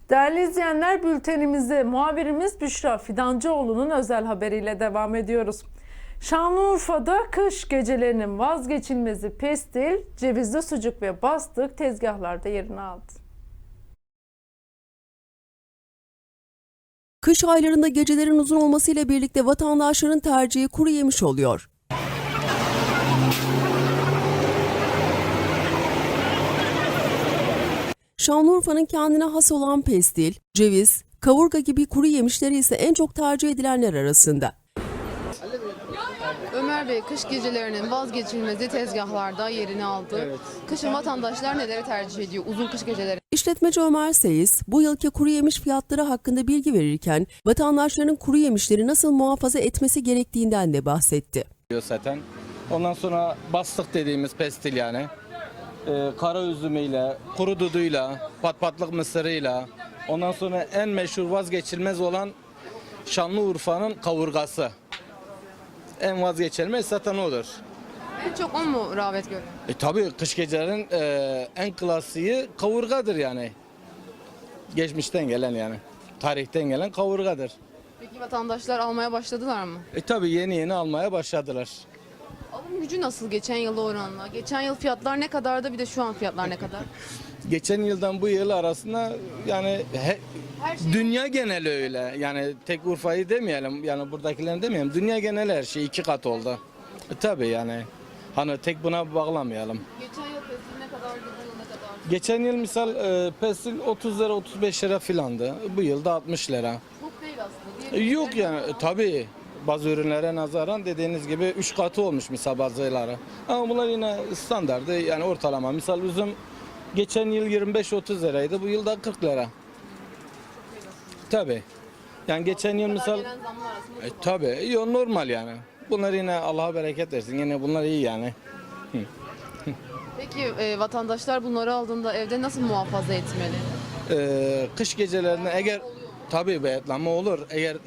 Değerli izleyenler, bültenimize muhabirimiz Büşra Fidancıoğlu'nun özel haberiyle devam ediyoruz. Şanlıurfa'da kış gecelerinin vazgeçilmezi pestil, cevizli sucuk ve bastık tezgahlarda yerini aldı. Kış aylarında gecelerin uzun olmasıyla birlikte vatandaşların tercihi kuru yemiş oluyor. Şanlıurfa'nın kendine has olan pestil, ceviz, kavurga gibi kuru yemişleri ise en çok tercih edilenler arasında. Ömer Bey, kış gecelerinin vazgeçilmezi tezgahlarda yerini aldı. Evet. Kışın vatandaşlar neleri tercih ediyor uzun kış geceleri? İşletmeci Ömer Seyis, bu yılki kuru yemiş fiyatları hakkında bilgi verirken vatandaşların kuru yemişleri nasıl muhafaza etmesi gerektiğinden de bahsetti. Zaten. Ondan sonra bastık dediğimiz pestil yani. Kara üzümüyle, kuru duduyla, patpatlık mısırıyla. Ondan sonra en meşhur vazgeçilmez olan Şanlıurfa'nın kavurgası. En vazgeçilmez zaten odur. En çok o mu rağbet görüyor? Tabii kış gecelerin en klasiği kavurgadır yani. Geçmişten gelen yani. Tarihten gelen kavurgadır. Peki vatandaşlar almaya başladılar mı? Tabii yeni almaya başladılar. Alım gücü nasıl geçen yıla oranla? Geçen yıl fiyatlar ne kadardı, bir de şu an fiyatlar ne kadar? Geçen yıldan bu yıl arasında yani Her şey dünya geneli öyle. Yani tek Urfa'yı demeyelim, yani buradakilerini demeyelim. Dünya geneli her şey 2 kat oldu. Tabii yani. Hani tek buna bağlamayalım. geçen yıl pestil ne kadardı, bu yıl ne kadar? Geçen yıl misal pestil 30 lira 35 lira filandı. Bu yıl da 60 lira. Çok değil aslında. Diğer Yok yani tabii bazı ürünlere nazaran dediğiniz gibi 3 katı olmuş misal bazıları. Ama bunlar yine standardı yani ortalama. Misal üzüm geçen yıl 25-30 liraydı. Bu yıl da 40 lira. Tabii. Yani geçen yıl misal gelen zamlar arasında tabii normal yani. Bunlar yine Allah'a bereket versin. Yine bunlar iyi yani. Peki vatandaşlar bunları aldığında evde nasıl muhafaza etmeli? Kış gecelerinde eğer tabii beyatlanma olur. Eğer